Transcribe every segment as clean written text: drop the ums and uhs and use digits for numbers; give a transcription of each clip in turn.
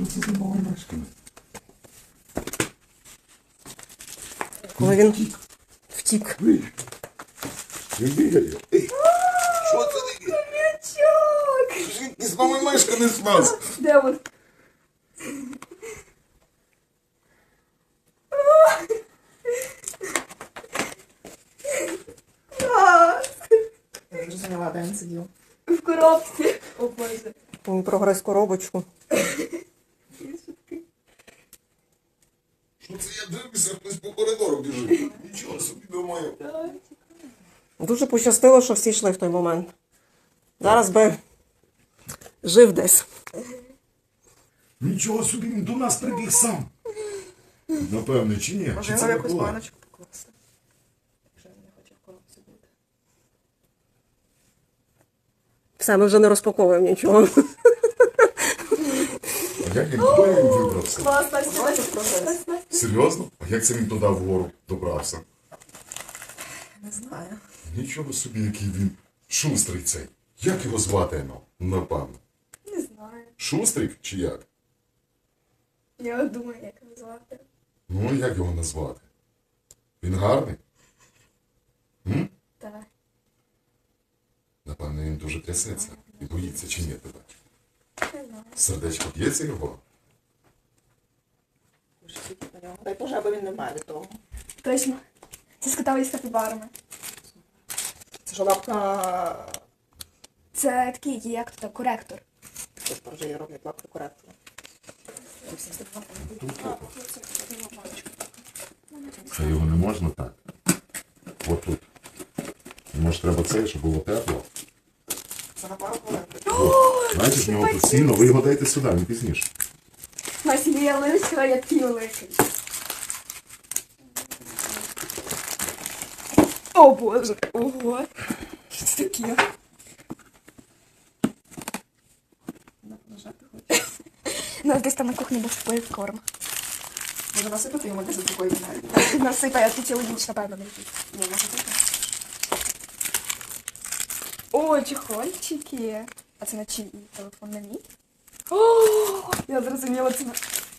Що це за маломешка? Коли він втік. Він бігає. Ей, що це таке? Хомячок! Звідки з маломешка не смаз? Де він? Я зрозуміла, де він сидів. В коробці. О боже. Він прогрес коробочку. Що це я дивлюся, хтось по коридору біжить. Нічого собі думаю. Дуже пощастило, що всі йшли в той момент. Зараз би жив десь. Нічого собі, він до нас прибіг сам. Напевне, чи ні? Може Чи його це не якусь була? баночку покласти. Якщо він не хоче в коробці бути. Все, ми вже не розпаковуємо нічого. А як він туди він вибрався? Клас, Настя. Серйозно? А як це він туди вгору добрався? Не знаю. Нічого собі, який він шустрий цей. Як його звати, ну? Напевно. Не знаю. Шустрик чи як? Я думаю, як його звати. Ну, як його назвати? Він гарний? Так. Напевно, він дуже трясеться. І боїться, чи ні тебе? Не знаю. Сердечко б'ється його? Дай Боже, аби він не вмер від того. Точно. Це з котами і з капібарами. Це ж лапка... Це такий, як тут, коректор. Тут вже є роблять лапку коректора. Це його не можна так. От тут. Може, треба це, щоб було тепло. Це на пару хвилин. Знаєте, в нього тут сіно, ви його дайте сюди, він пізніше. Настя, я лише, я такий великий. О боже, ого. Що це таке? Нажати хоче. У нас десь там на кухні був корм. Може насипати йому десь за такої навіть. Насипає, а ти цілу ніч, напевно, не їсть. Ні, може так. О, чехольчики. А це на чиї? Телефон на мій? О, я зрозуміла, це на...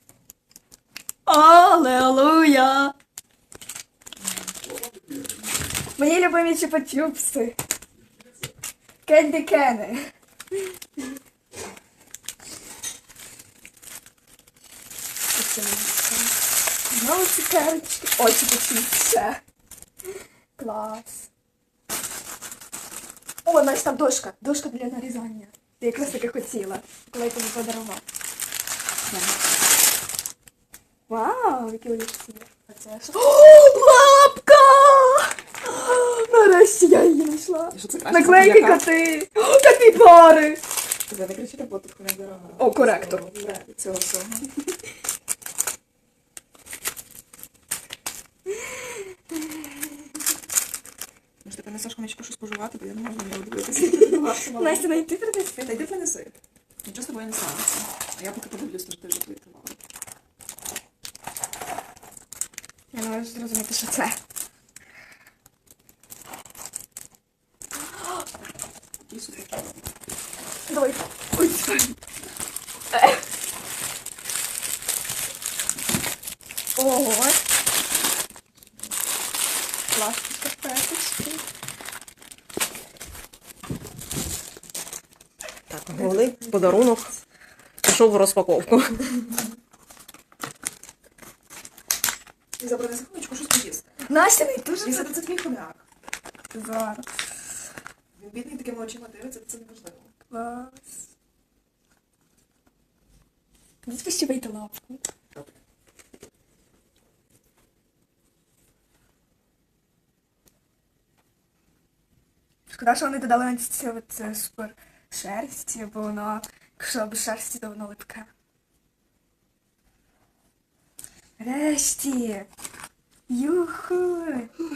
Аллилуйя! Мої любимі чупа-чупси. Кенді Кени. Знову цукерочки. О, чупа-чупси. Клас. О, значить там дошка. Дошка для нарізання. Ти якраз таки хотіла, коли я тобі подарував. Вау, які олівці. А це що? О, лапка! Нарешті я її знайшла. І що це краще? Наклейки Яка? коти. О, капібари. Тебе не кричи, бо тут не дорога. О, коректор. Від цього всього. Може, ти принесеш хомячку щось пожувати, бо я не можу на нього дивитися. Настя, не йти принести. Та йди принеси. Нічого з тобою не станеться. А я поки подивлюсь, то ж ти вже твоїтувала. Я не можу зрозуміти, що це. Який супер. Давай. Ой, це. Ого. Класні шкарпеточки. Так, головний подарунок пішов в розпаковку. І забронеси хомячку щось поїсти. Настя, не дуже Він це твій хомяк. зараз. Він бідний такими очима дивиться, це неможливо. Клас. Відпустівайте лапку. Шкода, що вони додали на це супер шерсті, бо воно, якщо без шерсті, то воно липке. Решті! Юху!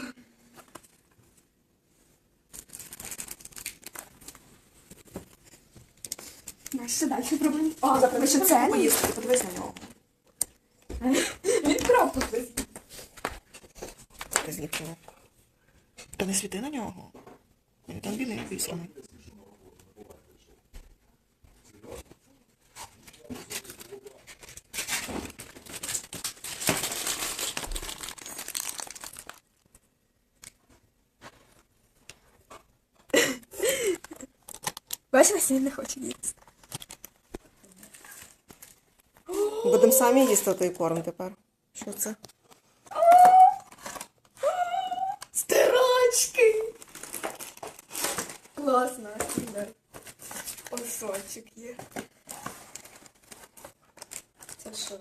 Знаєш, що далі проблем? О, ви що це? Поїсти, подивись на нього. Він крапку десь. Ти звідки? Та не світи на нього. Він там бідний висланий. Бачиш, він не хоче їсти. Будемо самі їсти той корм тепер. Що це? Стирачки! Класно, да. Осочок є. Це що?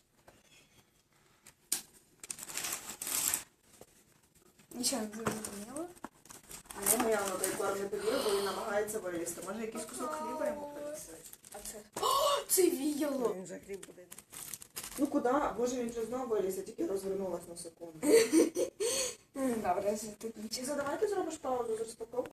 Нічого не зрозуміло. А його явно той корм не повірив, бо він намагається вилізти. Може якийсь кусок хліба йому принесе? А це? О, це віяло! Він вже хліб буде. Ну куди? Боже, він вже знову виліз, я тільки розвернулась на секунду. Добре, тут нічого. Давай ти зробиш паузу з розпаковкою.